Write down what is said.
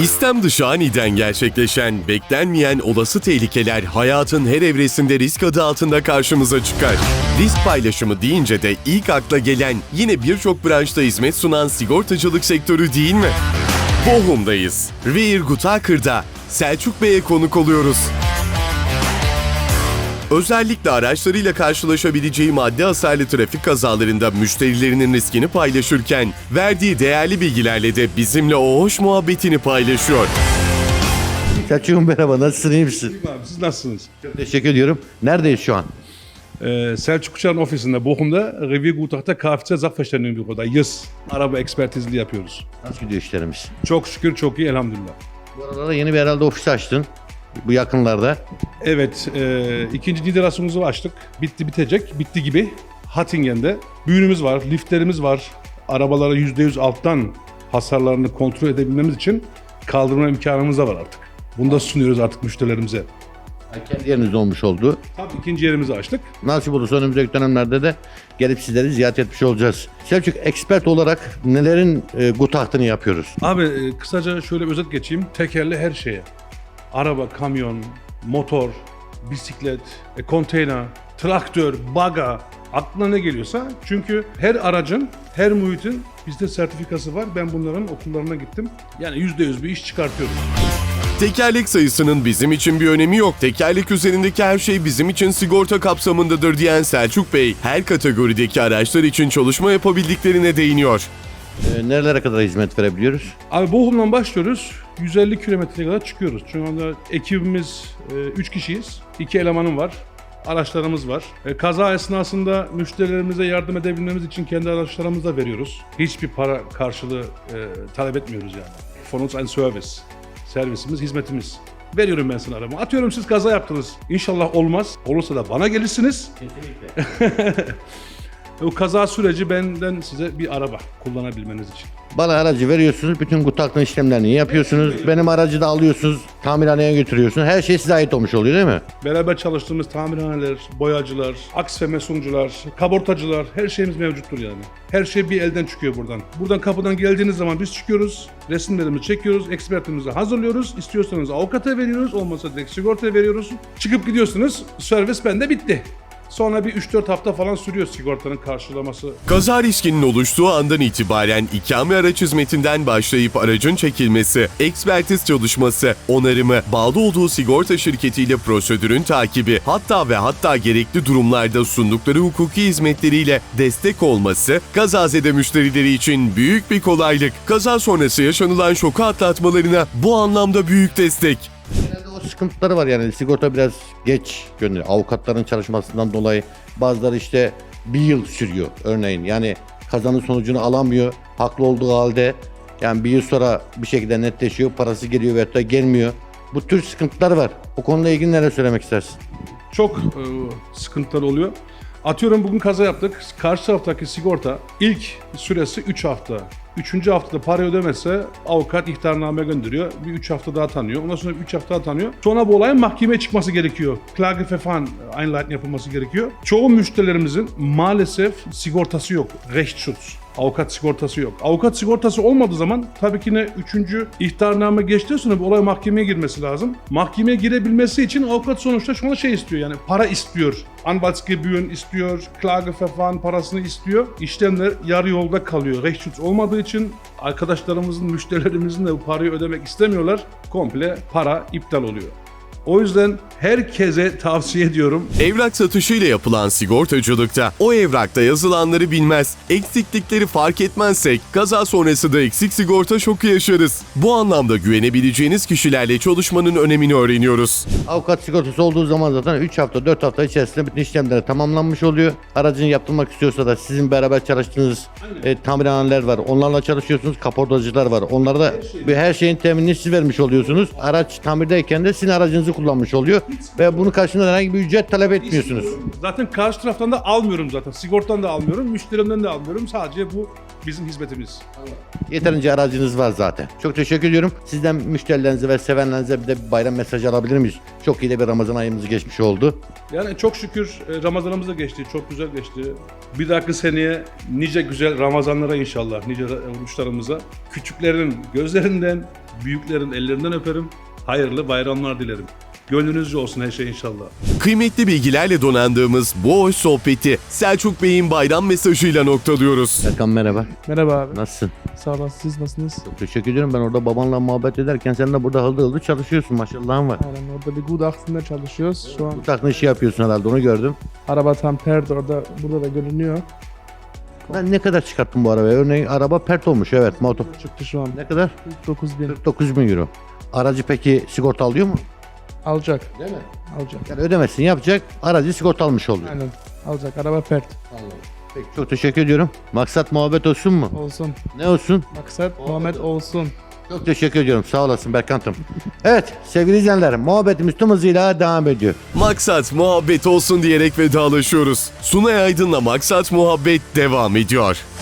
İstem dışı aniden gerçekleşen, beklenmeyen olası tehlikeler hayatın her evresinde risk adı altında karşımıza çıkar. Risk paylaşımı deyince de ilk akla gelen yine birçok branşta hizmet sunan sigortacılık sektörü değil mi? Bochum'dayız. Reir Gutakır'da Selçuk Bey'e konuk oluyoruz. Özellikle araçlarıyla karşılaşabileceği maddi hasarlı trafik kazalarında müşterilerinin riskini paylaşırken verdiği değerli bilgilerle de bizimle o hoş muhabbetini paylaşıyor. Selçuk'um merhaba, nasılsın, iyi misin? İyiyim abi, siz nasılsınız? Teşekkür ediyorum. Neredeyiz şu an? Selçuk Uçar'ın ofisinde Bochum'da Revier Gutach'ta Kfz Sachverständigen bürodayız. Araba ekspertizliği yapıyoruz. Nasıl gidiyor işlerimiz? Çok şükür çok iyi elhamdülillah. Bu arada yeni bir herhalde ofis açtın. Bu yakınlarda. Evet, ikinci Niederlassung'umuzu açtık. Bitecek, bitti gibi. Hattingen'de. Büyünümüz var, liftlerimiz var. Arabalara %100 alttan hasarlarını kontrol edebilmemiz için kaldırma imkanımız da var artık. Bunu da sunuyoruz artık müşterilerimize. Kendi yerinizde olmuş oldu. Tabii ikinci yerimizi açtık. Nasip olursa önümüzdeki dönemlerde de gelip sizleri ziyaret etmiş olacağız. Selçuk, ekspert olarak nelerin Gutacht'ını yapıyoruz? Abi kısaca şöyle özet geçeyim. Tekerli her şeye. Araba, kamyon, motor, bisiklet, konteyner, traktör, baga, aklına ne geliyorsa. Çünkü her aracın, her muhitin bizde sertifikası var. Ben bunların okullarına gittim. Yani %100 bir iş çıkartıyoruz. Tekerlek sayısının bizim için bir önemi yok. Tekerlek üzerindeki her şey bizim için sigorta kapsamındadır diyen Selçuk Bey, her kategorideki araçlar için çalışma yapabildiklerine değiniyor. Nerelere kadar hizmet verebiliyoruz? Abi Bochum'dan başlıyoruz. 150 kilometreye kadar çıkıyoruz. Şu anda ekibimiz 3 kişiyiz. 2 elemanım var. Araçlarımız var. Kaza esnasında müşterilerimize yardım edebilmemiz için kendi araçlarımızı da veriyoruz. Hiçbir para karşılığı talep etmiyoruz yani. Von uns ein Service. Servisimiz, hizmetimiz. Veriyorum ben sana arabamı. Atıyorum siz kaza yaptınız. İnşallah olmaz. Olursa da bana gelirsiniz. Kesinlikle. O kaza süreci benden size bir araba kullanabilmeniz için. Bana aracı veriyorsunuz, bütün Gutacht'ın işlemlerini yapıyorsunuz. Benim aracı da alıyorsunuz, tamirhaneye götürüyorsunuz. Her şey size ait olmuş oluyor değil mi? Beraber çalıştığımız tamirhaneler, boyacılar, aks ve mesumcular, kabortacılar, her şeyimiz mevcuttur yani. Her şey bir elden çıkıyor buradan. Buradan kapıdan geldiğiniz zaman biz çıkıyoruz, resimlerimizi çekiyoruz, ekspertimizi hazırlıyoruz. İstiyorsanız avukata veriyoruz, olmasa direkt sigortaya veriyoruz. Çıkıp gidiyorsunuz, servis bende bitti. Sonra bir 3-4 hafta falan sürüyor sigortanın karşılaması. Kaza riskinin oluştuğu andan itibaren ikame araç hizmetinden başlayıp aracın çekilmesi, ekspertiz çalışması, onarımı, bağlı olduğu sigorta şirketiyle prosedürün takibi, hatta gerekli durumlarda sundukları hukuki hizmetleriyle destek olması, kazazede müşterileri için büyük bir kolaylık. Kaza sonrası yaşanılan şoku atlatmalarına bu anlamda büyük destek. Genelde o sıkıntıları var yani, sigorta biraz geç gönderiyor. Avukatların çalışmasından dolayı bazıları işte bir yıl sürüyor örneğin. Yani kazanın sonucunu alamıyor haklı olduğu halde. Yani bir yıl sonra bir şekilde netleşiyor, parası geliyor veyahut da gelmiyor. Bu tür sıkıntılar var. O konuyla ilgili neler söylemek istersin? Çok sıkıntılar oluyor. Atıyorum bugün kaza yaptık. Karşı taraftaki sigorta ilk süresi 3 hafta. 3. haftada para ödemezse avukat ihtarname gönderiyor. Bir 3 hafta daha tanıyor. Ondan sonra 3 hafta daha tanıyor. Sonra bu olayın mahkemeye çıkması gerekiyor. Klageverfahren einleiten yapılması gerekiyor. Çoğu müşterilerimizin maalesef sigortası yok. Rechtsschutz. Avukat sigortası yok. Avukat sigortası olmadığı zaman tabii ki ne 3. ihtarname geçtikten sonra bu olay mahkemeye girmesi lazım. Mahkemeye girebilmesi için avukat sonuçta şu an istiyor yani para istiyor. Anwaltsgebühren istiyor, Klageverfahren parasını istiyor. İşlemler yarı yolda kalıyor. Rechtsschutz olmadığı için arkadaşlarımızın, müşterilerimizin de bu parayı ödemek istemiyorlar. Komple para iptal oluyor. O yüzden herkese tavsiye ediyorum. Evrak satışıyla yapılan sigortacılıkta o evrakta yazılanları bilmez, eksiklikleri fark etmezsek kaza sonrası da eksik sigorta şoku yaşarız. Bu anlamda güvenebileceğiniz kişilerle çalışmanın önemini öğreniyoruz. Avukat sigortası olduğu zaman zaten 3 hafta 4 hafta içerisinde bütün işlemler tamamlanmış oluyor. Aracını yaptırmak istiyorsa da sizin beraber çalıştığınız tamirhaneler var. Onlarla çalışıyorsunuz. Kaportacılar var. Onlara da her şeyin teminini siz vermiş oluyorsunuz. Araç tamirdeyken de sizin aracınızı aracı kullanmış oluyor ve bunun karşılığında herhangi bir ücret talep etmiyorsunuz. Zaten karşı taraftan da almıyorum zaten. Sigortadan da almıyorum, müşterimden de almıyorum. Sadece bu bizim hizmetimiz. Yeterince aracınız var zaten. Çok teşekkür ediyorum. Sizden müşterilerinize ve sevenlerinize bir de bir bayram mesajı alabilir miyiz? Çok iyi de bir Ramazan ayımız geçmiş oldu. Yani çok şükür Ramazanımız da geçti, çok güzel geçti. Bir dahaki seneye nice güzel Ramazanlara inşallah, nice oruçlarımıza. Küçüklerin gözlerinden, büyüklerin ellerinden öperim. Hayırlı bayramlar dilerim. Gönlünüzce olsun her şey inşallah. Kıymetli bilgilerle donandığımız bu hoş sohbeti Selçuk Bey'in bayram mesajıyla noktalıyoruz. Erkan merhaba. Merhaba abi. Nasılsın? Sağ olasın. Siz nasılsınız? Çok teşekkür ediyorum. Ben orada babanla muhabbet ederken sen de burada hıldı çalışıyorsun. Maşallahın var. Aynen orada bir Gudachs'ında çalışıyoruz. Şu an Bu takla işi yapıyorsun herhalde, onu gördüm. araba tam perde orada burada da görünüyor. Ben ne kadar çıkarttım bu arabaya? Örneğin araba pert olmuş, evet, motor. Çıktı şu an. Ne kadar? 9.000 49 bin euro. Aracı peki sigorta alıyor mu? alacak. Değil mi? Alacak. Yani ödemesini yapacak, aracı sigorta almış oluyor. Aynen. Alacak. Araba pert. Peki, çok teşekkür ediyorum. Maksat muhabbet olsun mu? Olsun. Ne olsun? Maksat Muhammed olsun. Çok teşekkür ediyorum. Sağ olasın Berkant'ım. Evet sevgili izleyenler, muhabbetimiz tüm hızıyla devam ediyor. Maksat muhabbet olsun diyerek vedalaşıyoruz. Sunay Aydın'la Maksat Muhabbet devam ediyor.